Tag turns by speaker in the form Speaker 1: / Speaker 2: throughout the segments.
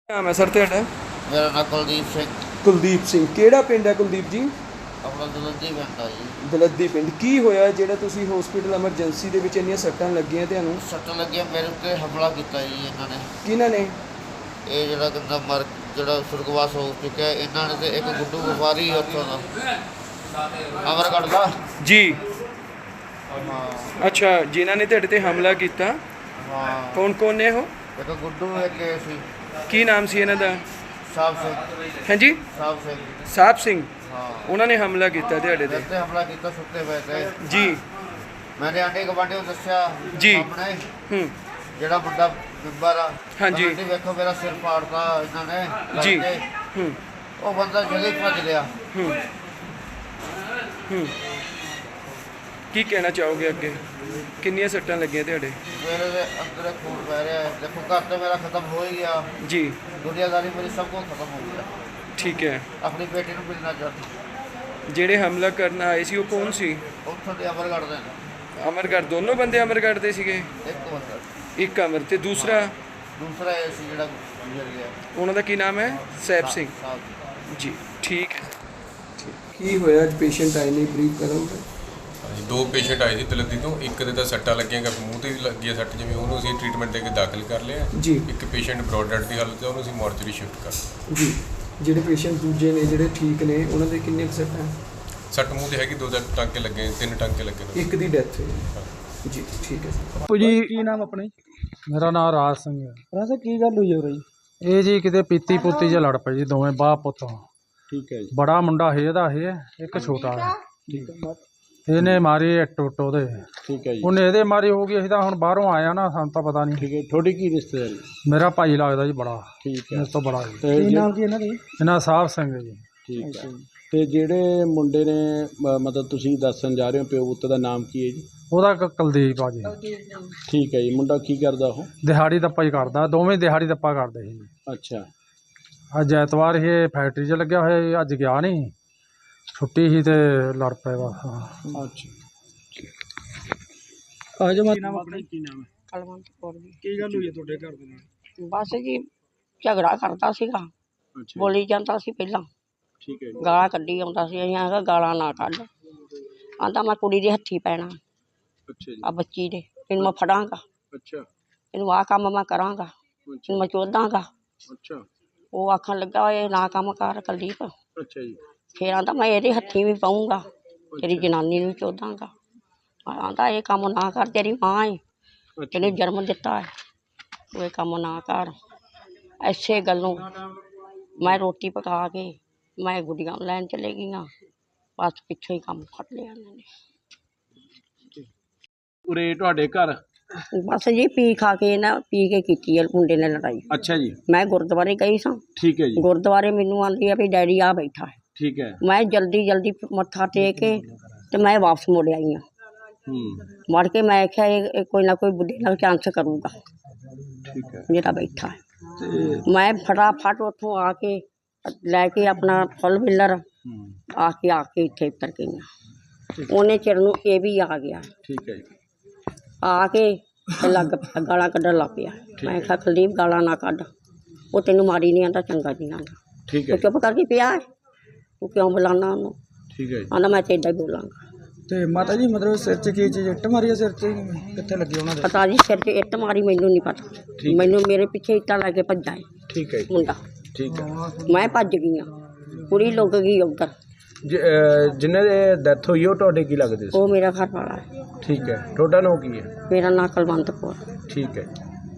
Speaker 1: ਨਾਮ ਹੈ ਸਰ ਤੁਹਾਡਾ?
Speaker 2: ਮੇਰਾ ਨਾਮ ਕੁਲਦੀਪ ਸਿੰਘ।
Speaker 1: ਕੁਲਦੀਪ ਸਿੰਘ, ਕਿਹੜਾ ਪਿੰਡ ਹੈ ਕੁਲਦੀਪ ਜੀ?
Speaker 2: ਆਪਣਾ ਦਲੱਦੀ ਪਿੰਡ ਆ ਜੀ।
Speaker 1: ਦਲੱਦੀ ਪਿੰਡ। ਕੀ ਹੋਇਆ ਜਿਹੜਾ ਤੁਸੀਂ ਹਸਪੀਟਲ ਐਮਰਜੈਂਸੀ ਦੇ ਵਿੱਚ ਇੰਨੀਆਂ ਸੱਟਾਂ ਲੱਗੀਆਂ ਤੁਹਾਨੂੰ?
Speaker 2: ਸੱਟ ਲੱਗਿਆ ਮੇਰੇ ਉੱਤੇ ਹਮਲਾ ਕੀਤਾ ਜੀ ਇਹਨਾਂ ਨੇ।
Speaker 1: ਕਿਹਨਾਂ ਨੇ?
Speaker 2: ਇਹ ਜਿਹੜਾ ਕਹਿੰਦਾ ਜਿਹੜਾ ਸੁਰਗਵਾਸ ਹੋ ਚੁੱਕਿਆ ਇਹਨਾਂ ਨੇ, ਤੇ ਇੱਕ ਗੁੱਡੂ ਵਪਾਰੀ ਉੱਥੋਂ ਦਾ ਅਮਰਗੜ੍ਹ ਦਾ
Speaker 1: ਜੀ।
Speaker 2: ਹਾਂ
Speaker 1: ਅੱਛਾ, ਜਿਨ੍ਹਾਂ ਨੇ ਤੁਹਾਡੇ ਤੇ ਹਮਲਾ ਕੀਤਾ
Speaker 2: ਹਾਂ।
Speaker 1: ਕੌਣ ਕੌਣ ਨੇ ਉਹ?
Speaker 2: ਇੱਕ ਗੁੱਡੂ ਇੱਕ ਇਹ ਸੀ
Speaker 1: ਕੀ ਨਾਮ ਸੀ ਇਹਨਾਂ ਦਾ?
Speaker 2: ਸਾਹਿਬ ਸਿੰਘ।
Speaker 1: ਹਾਂਜੀ,
Speaker 2: ਸਾਹਿਬ ਸਿੰਘ।
Speaker 1: ਸਾਹਿਬ ਸਿੰਘ।
Speaker 2: ਹਾਂ,
Speaker 1: ਉਹਨਾਂ ਨੇ ਹਮਲਾ ਕੀਤਾ ਤੁਹਾਡੇ ਤੇ?
Speaker 2: ਮੇਰੇ ਤੇ ਹਮਲਾ ਕੀਤਾ ਸੁੱਤੇ ਪਏ ਤੇ।
Speaker 1: ਜੀ।
Speaker 2: ਮੈंने ਆਂਢੀ ਗੁਆਂਢੀ ਨੂੰ ਦੱਸਿਆ
Speaker 1: ਜੀ।
Speaker 2: ਆਪਣੇ
Speaker 1: ਹੂੰ।
Speaker 2: ਜਿਹੜਾ ਮੁੰਡਾ ਮੈਂਬਰ ਆ।
Speaker 1: ਹਾਂਜੀ।
Speaker 2: ਆਂਟੀ ਵੇਖੋ ਮੇਰਾ ਸਿਰ ਪਾੜਤਾ ਇਹਨਾਂ ਨੇ
Speaker 1: ਜੀ।
Speaker 2: ਲੱਗ ਕੇ।
Speaker 1: ਹੂੰ
Speaker 2: ਉਹ ਬੰਦਾ ਜਲਦੀ ਭੱਜ ਲਿਆ।
Speaker 1: ਹੂੰ ਹੂੰ। ਕੀ ਕਹਿਣਾ ਚਾਹੋਗੇ ਅੱਗੇ? ਕਿੰਨੀਆਂ ਸੱਟਾਂ ਲੱਗੀਆਂ ਤੁਹਾਡੇ?
Speaker 2: ਮੇਰੇ ਦੇ ਅੰਦਰ ਖੂਨ ਪੈ ਰਿਹਾ ਹੈ। ਦੇਖੋ ਘਰ ਤੇ ਮੇਰਾ ਖਤਮ ਹੋ ਹੀ ਗਿਆ।
Speaker 1: ਜੀ।
Speaker 2: ਦੁਨੀਆਦਾਰੀ ਮੇਰੀ ਸਭ ਕੁਝ ਖਤਮ ਹੋ ਗਿਆ।
Speaker 1: ਠੀਕ ਹੈ।
Speaker 2: ਆਪਣੀ ਬੇਟੀ ਨੂੰ ਮਿਲਣਾ ਚਾਹੁੰਦੀ।
Speaker 1: ਜਿਹੜੇ ਹਮਲਾ ਕਰਨ ਆਏ ਸੀ ਉਹ ਕੌਣ ਸੀ?
Speaker 2: ਉੱਥੋਂ ਦੇ ਅਮਰਗੜ੍ਹ ਦੇ ਨੇ।
Speaker 1: ਅਮਰਗੜ੍ਹ? ਦੋਨੋਂ ਬੰਦੇ ਅਮਰਗੜ੍ਹ ਦੇ ਸੀਗੇ?
Speaker 2: ਇੱਕ ਬੰਦਾ।
Speaker 1: ਇੱਕ ਅਮਰ ਤੇ ਦੂਸਰਾ?
Speaker 2: ਦੂਸਰਾ ਇਹ ਸੀ ਜਿਹੜਾ ਗੁਜ਼ਰ ਗਿਆ।
Speaker 1: ਉਹਨਾਂ ਦਾ ਕੀ ਨਾਮ ਹੈ? ਸੈਬ ਸਿੰਘ।
Speaker 2: ਸਾਹਿਬ।
Speaker 1: ਜੀ, ਠੀਕ ਹੈ। ਕੀ ਹੋਇਆ? ਅੱਜ ਪੇਸ਼ੈਂਟ ਆਏ ਨੇ, ਬਰੀਫ ਕਰੋਗੇ?
Speaker 3: ਹਾਂਜੀ, ਦੋ ਪੇਸ਼ੈਂਟ ਆਏ ਸੀ ਦਲੱਦੀ ਤੋਂ। ਇੱਕ ਦੇ ਤਾਂ ਸੱਟਾਂ ਲੱਗੀਆਂ ਕਿ ਮੂੰਹ ਤੇ ਲੱਗੀ ਹੈ ਸੱਟ, ਜਿਵੇਂ ਉਹਨੂੰ ਅਸੀਂ ਟ੍ਰੀਟਮੈਂਟ ਦੇ ਕੇ ਦਾਖਲ ਕਰ ਲਿਆ।
Speaker 1: ਜੀ।
Speaker 3: ਇੱਕ ਪੇਸ਼ੈਂਟ ਬ੍ਰੌਡ ਡੈਡ ਦੀ ਹਾਲਤ 'ਚ, ਉਹਨੂੰ ਅਸੀਂ ਮੋਰਚਰੀ ਸ਼ਿਫਟ ਕਰ।
Speaker 1: ਜੀ। ਜਿਹੜੇ ਪੇਸ਼ੈਂਟ ਦੂਜੇ ਨੇ ਜਿਹੜੇ ਠੀਕ ਨੇ ਉਹਨਾਂ ਦੇ ਕਿੰਨੇ ਕੁ ਸੱਟਾਂ?
Speaker 3: ਸੱਟ ਮੂੰਹ ਤੇ ਹੈਗੀ, ਦੋ ਟਾਂਕੇ ਲੱਗੇ, 3 ਟਾਂਕੇ ਲੱਗੇ ਨੇ।
Speaker 1: ਇੱਕ ਦੀ ਡੈਥ ਹੋਈ। ਜੀ, ਠੀਕ ਹੈ ਸਰ।
Speaker 4: ਬਾਪੂ ਜੀ, ਕੀ ਨਾਮ ਆਪਣੇ?
Speaker 5: ਮੇਰਾ ਨਾਮ ਰਾਜ ਸਿੰਘ ਹੈ।
Speaker 4: ਰਾਜਾ, ਕੀ ਗੱਲ ਹੋਈ ਹੋ ਰਹੀ?
Speaker 5: ਇਹ ਜੀ ਕਿਤੇ ਪੀਤੀ ਪੁੱਤੀ ਜਿਹਾ ਲੜ ਪਏ ਜੀ, ਦੋਵੇਂ ਬਾਪ ਪੁੱਤ।
Speaker 4: ਠੀਕ ਹੈ ਜੀ।
Speaker 5: ਬੜਾ ਮੁੰਡਾ ਹੈ ਇਹਦਾ, ਇਹ ਇੱਕ ਛੋਟਾ ਹੈ।
Speaker 4: ਠੀਕ ਹੈ।
Speaker 5: ਇਹਨੇ ਮਾਰੀ ਇੱਟ ਉੱਟ ਉਹਦੇ,
Speaker 4: ਠੀਕ ਹੈ ਜੀ।
Speaker 5: ਉਹਨੇ ਇਹਦੇ ਮਾਰੀ ਹੋ ਗਈ। ਅਸੀਂ ਤਾਂ ਹੁਣ ਬਾਹਰੋਂ ਆਇਆ ਨਾ, ਸਾਨੂੰ ਤਾਂ ਪਤਾ ਨਹੀਂ।
Speaker 4: ਠੀਕ ਹੈ। ਤੁਹਾਡੀ ਕੀ ਰਿਸ਼ਤੇਦਾਰੀ?
Speaker 5: ਮੇਰਾ ਭਾਈ ਲੱਗਦਾ ਜੀ ਬੜਾ,
Speaker 4: ਠੀਕ ਹੈ।
Speaker 5: ਇਸ ਤੋਂ ਬੜਾ ਜੀ।
Speaker 4: ਕੀ ਨਾਮ ਕੀ ਇਹਨਾਂ ਦੇ?
Speaker 5: ਇਹਨਾਂ ਸਾਹਿਬ ਸਿੰਘ ਜੀ।
Speaker 4: ਠੀਕ ਹੈ। ਤੇ ਜਿਹੜੇ ਮੁੰਡੇ ਨੇ ਮਤਲਬ ਤੁਸੀਂ ਦੱਸਣ ਜਾ ਰਹੇ ਹੋ ਪਿਓ ਪੁੱਤ ਦਾ ਨਾਮ ਕੀ ਹੈ ਜੀ?
Speaker 5: ਉਹਦਾ ਕੁਲਦੀਪ ਆ ਜੀ।
Speaker 4: ਠੀਕ ਹੈ ਜੀ। ਮੁੰਡਾ ਕੀ ਕਰਦਾ ਉਹ?
Speaker 5: ਦਿਹਾੜੀ ਦੱਪਾ ਹੀ ਕਰਦਾ, ਦੋਵੇਂ ਦਿਹਾੜੀ ਦੱਪਾ ਕਰਦੇ ਸੀ।
Speaker 4: ਅੱਛਾ।
Speaker 5: ਅੱਜ ਐਤਵਾਰ ਇਹ ਫੈਕਟਰੀ 'ਚ ਲੱਗਿਆ ਹੋਇਆ ਸੀ, ਅੱਜ ਗਿਆ ਨਹੀਂ, ਛੁੱਟੀ ਸੀ ਤੇ ਲੜ ਪਏ ਬਸ।
Speaker 4: ਅੱਛਾ। ਆ ਜਾ। ਨਾਮ ਆਪਣਾ ਕੀ ਨਾਮ ਹੈ?
Speaker 6: ਕਲਵੰਤ ਕੌਰ ਜੀ।
Speaker 4: ਕੀ ਗੱਲ ਹੋਈ ਹੈ ਤੁਹਾਡੇ ਘਰ ਦੇ ਨਾਲ?
Speaker 6: ਬਸ ਜੀ ਝਗੜਾ ਕਰਦਾ ਸੀਗਾ,
Speaker 4: ਅੱਛਾ।
Speaker 6: ਬੋਲੀ ਜਾਂਦਾ ਸੀ ਪਹਿਲਾਂ,
Speaker 4: ਠੀਕ ਹੈ ਜੀ।
Speaker 6: ਗਾਲਾਂ ਕੱਢੀ ਆਉਂਦਾ ਸੀ। ਅਸੀਂ ਆਖਿਆ ਗਾਲਾਂ ਨਾ ਕੱਢ। ਆਂਦਾ ਮੈਂ ਕੁੜੀ ਦੇ ਹੱਥੀ ਪੈਣਾ,
Speaker 4: ਅੱਛਾ ਜੀ।
Speaker 6: ਆ ਬੱਚੀ ਦੇ, ਇਹਨੂੰ ਮੈਂ ਫੜਾਂਗਾ,
Speaker 4: ਅੱਛਾ।
Speaker 6: ਇਹਨੂੰ ਆਹ ਕੰਮ ਮੈਂ ਕਰਾਂਗਾ, ਇਹਨੂੰ ਮੈਂ ਚੋਦਾਂਗਾ।
Speaker 4: ਅੱਛਾ।
Speaker 6: ਉਹ ਆਖਣ ਲੱਗਾ ਇਹ ਨਾ ਕੰਮ ਕਰ ਕੁਲਦੀਪ।
Speaker 4: ਅੱਛਾ ਜੀ।
Speaker 6: ਫਿਰ ਆਂਦਾ ਮੈਂ ਇਹਦੇ ਹੱਥੀ ਵੀ ਪਾਊਂਗਾ, ਤੇਰੀ ਜਨਾਨੀ ਨੂੰ ਵੀ ਚੋਦਾਂਗਾ। ਆਂਦਾ ਇਹ ਕੰਮ ਨਾ ਕਰ, ਤੇਰੀ ਮਾਂ ਏ, ਤੈਨੂੰ ਜਨਮ ਦਿੱਤਾ ਹੈ, ਤੂੰ ਇਹ ਕੰਮ ਨਾ ਕਰ। ਐਸੇ ਗੱਲੋਂ ਮੈਂ ਰੋਟੀ ਪਕਾ ਕੇ ਮੈਂ ਗੁੱਡੀਆਂ ਲੈਣ ਚਲੇ ਗਈਆਂ, ਬਸ ਪਿੱਛੋਂ ਹੀ ਕੰਮ ਫੜ ਲਿਆ ਇਹਨਾਂ ਨੇ।
Speaker 4: ਉਰੇ ਤੁਹਾਡੇ ਘਰ?
Speaker 6: ਬਸ ਜੀ ਪੀ ਖਾ ਕੇ ਨਾ, ਪੀ ਕੇ ਕੀਤੀ ਹੈ ਮੁੰਡੇ ਨੇ ਲੜਾਈ।
Speaker 4: ਅੱਛਾ ਜੀ।
Speaker 6: ਮੈਂ ਗੁਰਦੁਆਰੇ ਗਈ ਸਾਂ।
Speaker 4: ਠੀਕ ਹੈ ਜੀ।
Speaker 6: ਗੁਰਦੁਆਰੇ ਮੈਨੂੰ ਆਂਦੀ ਆ ਵੀ ਡੈਡੀ ਆ ਬੈਠਾ ਹੈ।
Speaker 4: ਠੀਕ ਹੈ।
Speaker 6: ਮੈਂ ਜਲਦੀ ਜਲਦੀ ਮੱਥਾ ਟੇਕ ਕੇ ਤੇ ਮੈਂ ਵਾਪਸ ਮੁੜ ਆਈ ਹਾਂ। ਮੁੜ ਕੇ ਮੈਂ ਆਖਿਆ ਇਹ ਕੋਈ ਨਾ ਕੋਈ ਬੁੱਢੇ ਨਾਲ ਚਾਂਸ ਕਰੂਗਾ।
Speaker 4: ਠੀਕ ਹੈ।
Speaker 6: ਜਿਹੜਾ ਬੈਠਾ ਹੈ।
Speaker 4: ਤੇ
Speaker 6: ਮੈਂ ਫਟਾਫਟ ਉੱਥੋਂ ਆ ਕੇ ਲੈ ਕੇ ਆਪਣਾ ਫੁੱਲ ਬਿੱਲਰ ਆ ਕੇ ਇੱਥੇ ਉਤਰ ਗਈਆਂ। ਉਹਨੇ ਚਿਰ ਨੂੰ ਇਹ ਵੀ ਆ ਗਿਆ।
Speaker 4: ਠੀਕ ਹੈ ਜੀ।
Speaker 6: ਆ ਕੇ ਤੇ ਗਾਲਾਂ ਕੱਢਣ ਲੱਗ ਪਿਆ। ਮੈਂ ਕਿਹਾ ਕੁਲਦੀਪ ਗਾਲਾਂ ਨਾ ਕੱਢ, ਉਹ ਤੈਨੂੰ ਮਾਰੀ ਨਹੀਂ ਆਂਦਾ, ਚੰਗਾ ਨਹੀਂ ਆਂਦਾ।
Speaker 4: ਠੀਕ ਹੈ।
Speaker 6: ਤੂੰ ਚੁੱਪ ਕਰਕੇ ਪਿਆ ਹੈ, ਤੂੰ ਕਿਉਂ ਬੁਲਾਉਣਾ ਉਹਨੂੰ?
Speaker 4: ਠੀਕ ਹੈ ਜੀ।
Speaker 6: ਆਂਦਾ ਮੈਂ ਤਾਂ ਇੱਦਾਂ ਹੀ ਬੋਲਾਂਗਾ।
Speaker 5: ਤੇ ਮਾਤਾ ਜੀ ਮਤਲਬ ਸਿਰ 'ਚ ਕੀ ਚੀਜ਼ ਇੱਟ ਮਾਰੀ ਆ? ਸਿਰ 'ਚ ਕਿੱਥੇ ਲੱਗੀ ਉਹਨਾਂ ਦੇ?
Speaker 6: ਪਤਾ ਜੀ ਸਿਰ 'ਚ ਇੱਟ ਮਾਰੀ, ਮੈਨੂੰ ਨਹੀਂ ਪਤਾ। ਮੈਨੂੰ ਮੇਰੇ ਪਿੱਛੇ ਇੱਟਾਂ ਲੈ ਕੇ ਭੱਜਾ ਹੈ
Speaker 4: ਠੀਕ ਹੈ ਜੀ।
Speaker 6: ਮੁੰਡਾ।
Speaker 4: ਠੀਕ ਹੈ।
Speaker 6: ਮੈਂ ਭੱਜ ਗਈ ਹਾਂ, ਕੁੜੀ ਲੁੱਕ ਗਈ ਉੱਧਰ।
Speaker 4: ਜਿਨ੍ਹਾਂ ਦੇ ਡੈਥ ਹੋਈ ਉਹ ਤੁਹਾਡੇ ਕੀ ਲੱਗਦੇ ਸੀ?
Speaker 6: ਉਹ ਮੇਰਾ ਘਰ ਵਾਲਾ ਹੈ।
Speaker 4: ਠੀਕ ਹੈ। ਤੁਹਾਡਾ ਨਾਮ ਕੀ ਹੈ?
Speaker 6: ਮੇਰਾ ਨਾਂ ਕੁਲਵੰਤ ਕੌਰ।
Speaker 4: ਠੀਕ ਹੈ।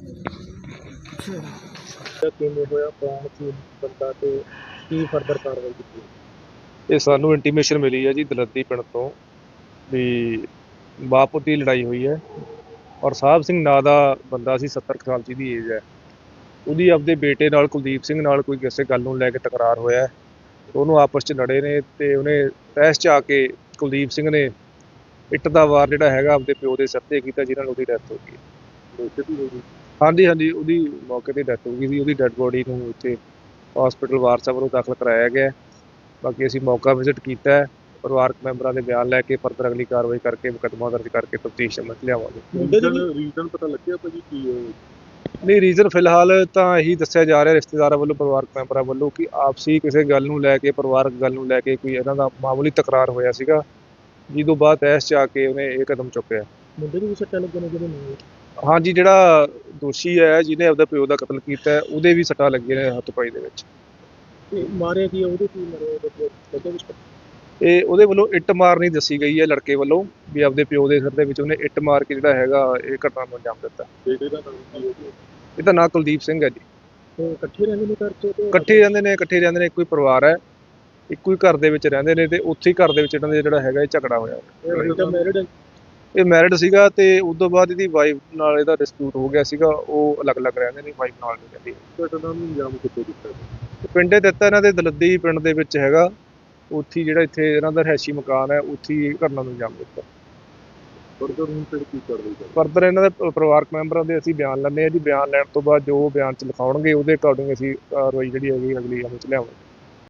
Speaker 7: ਕਿਵੇਂ ਹੋਇਆ, ਕੌਣ ਸੀ ਬੰਦਾ ਤੇ ਕੀ ਫਰਦਰ ਕਾਰਵਾਈ ਕੀਤੀ? ਇਹ ਸਾਨੂੰ ਇੰਟੀਮੇਸ਼ਨ ਮਿਲੀ ਹੈ ਜੀ ਦਲੱਦੀ ਪਿੰਡ ਤੋਂ ਵੀ ਬਾਪ ਦੀ ਲੜਾਈ ਹੋਈ ਹੈ ਔਰ ਸਾਹਿਬ ਸਿੰਘ ਨਾਂ ਦਾ ਬੰਦਾ ਸੀ, 70 ਸਾਲ ਦੀ ਏਜ ਹੈ। ਉਹਦੀ ਆਪਦੇ ਬੇਟੇ ਨਾਲ ਕੁਲਦੀਪ ਸਿੰਘ ਨਾਲ ਕੋਈ ਕਿਸੇ ਗੱਲ ਨੂੰ ਲੈ ਕੇ ਤਕਰਾਰ ਹੋਇਆ, ਉਹਨੂੰ ਆਪਸ 'ਚ ਲੜੇ ਨੇ ਤੇ ਉਹਨੇ ਤਹਿਸ 'ਚ ਆ ਕੇ ਕੁਲਦੀਪ ਸਿੰਘ ਨੇ ਇੱਟ ਦਾ ਵਾਰ ਜਿਹੜਾ ਹੈਗਾ ਆਪਦੇ ਪਿਓ ਦੇ ਸਿਰ 'ਤੇ ਕੀਤਾ, ਜਿਹਨਾਂ ਨਾਲ ਉਹਦੀ ਡੈਥ ਹੋ ਗਈ। ਹਾਂਜੀ ਹਾਂਜੀ, ਉਹਦੀ ਮੌਕੇ 'ਤੇ ਡੈਥ ਹੋ ਗਈ ਸੀ। ਉਹਦੀ ਡੈੱਡ ਬੋਡੀ ਨੂੰ ਇੱਥੇ ਹਸਪੀਟਲ ਵਾਰਸਾ ਵੱਲੋਂ ਦਾਖਲ ਕਰਾਇਆ ਗਿਆ। ਬਾਕੀ ਅਸੀਂ ਮੌਕਾ ਵਿਜ਼ਿਟ ਕੀਤਾ ਹੈ, ਪਰਿਵਾਰਕ ਮੈਂਬਰਾਂ ਦੇ ਬਿਆਨ ਲੈ ਕੇ ਫਰਦਰ ਅਗਲੀ ਕਾਰਵਾਈ ਕਰਕੇ ਮੁਕੱਦਮਾ ਦਰਜ ਕਰਕੇ ਤਫਤੀਸ਼ ਅਮਲ 'ਚ ਲਿਆਵਾਂਗੇ।
Speaker 8: ਰੀਜ਼ਨ ਪਤਾ ਲੱਗਿਆ ਭਾਜੀ ਕੀ
Speaker 7: ਨਹੀਂ, ਰੀਜ਼ਨ ਫਿਲਹਾਲ ਤਾਂ ਇਹੀ ਦੱਸਿਆ ਜਾ ਰਿਹਾ ਰਿਸ਼ਤੇਦਾਰਾਂ ਵੱਲੋਂ, ਪਰਿਵਾਰਕ ਮੈਂਬਰਾਂ ਵੱਲੋਂ, ਕਿ ਆਪਸੀ ਕਿਸੇ ਗੱਲ ਨੂੰ ਲੈ ਕੇ, ਪਰਿਵਾਰਕ ਗੱਲ ਨੂੰ ਲੈ ਕੇ ਕੋਈ ਇਹਨਾਂ ਦਾ ਮਾਮੂਲੀ ਤਕਰਾਰ ਹੋਇਆ ਸੀਗਾ, ਜਿਹਦੋਂ ਬਾਅਦ ਤਹਿਸ 'ਚ ਆ ਕੇ ਉਹਨੇ ਇਹ ਕਦਮ ਚੁੱਕਿਆ।
Speaker 8: ਮੁੰਡੇ ਨੂੰ ਵੀ ਸੱਟਾਂ ਲੱਗੀਆਂ ਨੇ ਜਿਹੜੇ ਨਾਲ?
Speaker 7: ਹਾਂਜੀ, ਜਿਹੜਾ ਦੋਸ਼ੀ ਹੈ ਜਿਹਨੇ ਆਪਦੇ ਪਿਓ ਦਾ ਕਤਲ ਕੀਤਾ ਹੈ, ਉਹਦੇ ਵੀ ਸੱਟਾਂ ਲੱਗੀਆਂ ਨੇ ਹੱਥ ਪਾਈ ਦੇ ਵਿੱਚ।
Speaker 8: ਤੇ ਮਾਰਿਆ ਕੀ ਆ? ਉਹਦੇ ਕੀ ਮਾਰਿਆ ਉਹਦੇ ਵਿੱਚ?
Speaker 7: ਇਹ ਉਹਦੇ ਵੱਲੋਂ ਇੱਟ ਮਾਰਨੀ ਦੱਸੀ ਗਈ ਹੈ ਲੜਕੇ ਵੱਲੋਂ, ਵੀ ਆਪਦੇ ਪਿਓ ਦੇ ਸਿਰ ਦੇ ਵਿੱਚ ਉਹਨੇ ਇੱਟ ਮਾਰ ਕੇ ਜਿਹੜਾ ਹੈਗਾ ਇਹ ਘਟਨਾ ਨੂੰ ਅੰਜਾਮ ਦਿੱਤਾ।
Speaker 8: ਬੇਟੇ ਦਾ ਨਾਮ ਕੀ ਹੈ?
Speaker 7: ਇਹਦਾ ਨਾਂ ਕੁਲਦੀਪ ਸਿੰਘ ਹੈ ਜੀ।
Speaker 8: ਤੇ ਇਕੱਠੇ ਰਹਿੰਦੇ ਨੇ ਘਰ 'ਚ?
Speaker 7: ਇਕੱਠੇ ਰਹਿੰਦੇ ਨੇ, ਇੱਕੋ ਹੀ ਪਰਿਵਾਰ ਹੈ, ਇੱਕੋ ਹੀ ਘਰ ਦੇ ਵਿੱਚ ਰਹਿੰਦੇ ਨੇ, ਤੇ ਉੱਥੇ ਹੀ ਘਰ ਦੇ ਵਿੱਚ ਇਹਨਾਂ ਦਾ ਜਿਹੜਾ ਹੈਗਾ ਇਹ ਝਗੜਾ ਹੋਇਆ।
Speaker 8: ਬੇਟਾ ਮੈਰਿਡ ਹੈ?
Speaker 7: ਇਹ ਮੈਰਿਡ ਸੀਗਾ, ਤੇ ਉਸ ਤੋਂ ਬਾਅਦ ਇਹਦੀ ਵਾਈਫ ਨਾਲ ਇਹਦਾ ਡਿਸਪਿਊਟ ਹੋ ਗਿਆ ਸੀਗਾ, ਉਹ ਅਲੱਗ-ਅਲੱਗ ਰਹਿੰਦੇ ਨੇ, ਵਾਈਫ ਨਾਲ ਨਹੀਂ ਰਹਿੰਦੀ।
Speaker 8: ਘਟਨਾ ਨੂੰ ਅੰਜਾਮ ਕਿੱਥੇ ਦਿੱਤਾ?
Speaker 7: ਪਿੰਡੇ ਦਿੱਤਾ ਇਹਨਾਂ ਦੇ ਦਲੱਦੀ ਪਿੰਡ ਦੇ ਵਿੱਚ ਹੈਗਾ, ਉੱਥੇ ਜਿਹੜਾ ਇੱਥੇ ਇਹਨਾਂ ਦਾ ਰਿਹਾਇਸ਼ੀ ਮਕਾਨ ਹੈ, ਉੱਥੇ ਹੀ ਘਟਨਾ ਨੂੰ ਅੰਜਾਮ ਦਿੱਤਾ।
Speaker 8: ਫਰਦਰ ਹੁਣ ਫਿਰ ਕੀ ਕਾਰਵਾਈ ਕਰਨੀ?
Speaker 7: ਫਰਦਰ ਇਹਨਾਂ ਦੇ ਪਰਿਵਾਰਕ ਮੈਂਬਰਾਂ ਦੇ ਅਸੀਂ ਬਿਆਨ ਲੈਂਦੇ ਹਾਂ ਜੀ। ਬਿਆਨ ਲੈਣ ਤੋਂ ਬਾਅਦ ਜੋ ਬਿਆਨ 'ਚ ਲਿਖਾਉਣਗੇ ਉਹਦੇ ਅਕੋਰਡਿੰਗ ਅਸੀਂ ਕਾਰਵਾਈ ਜਿਹੜੀ ਹੈਗੀ ਅਗਲੀ ਅਮਲ 'ਚ ਲਿਆਵਾਂਗੇ।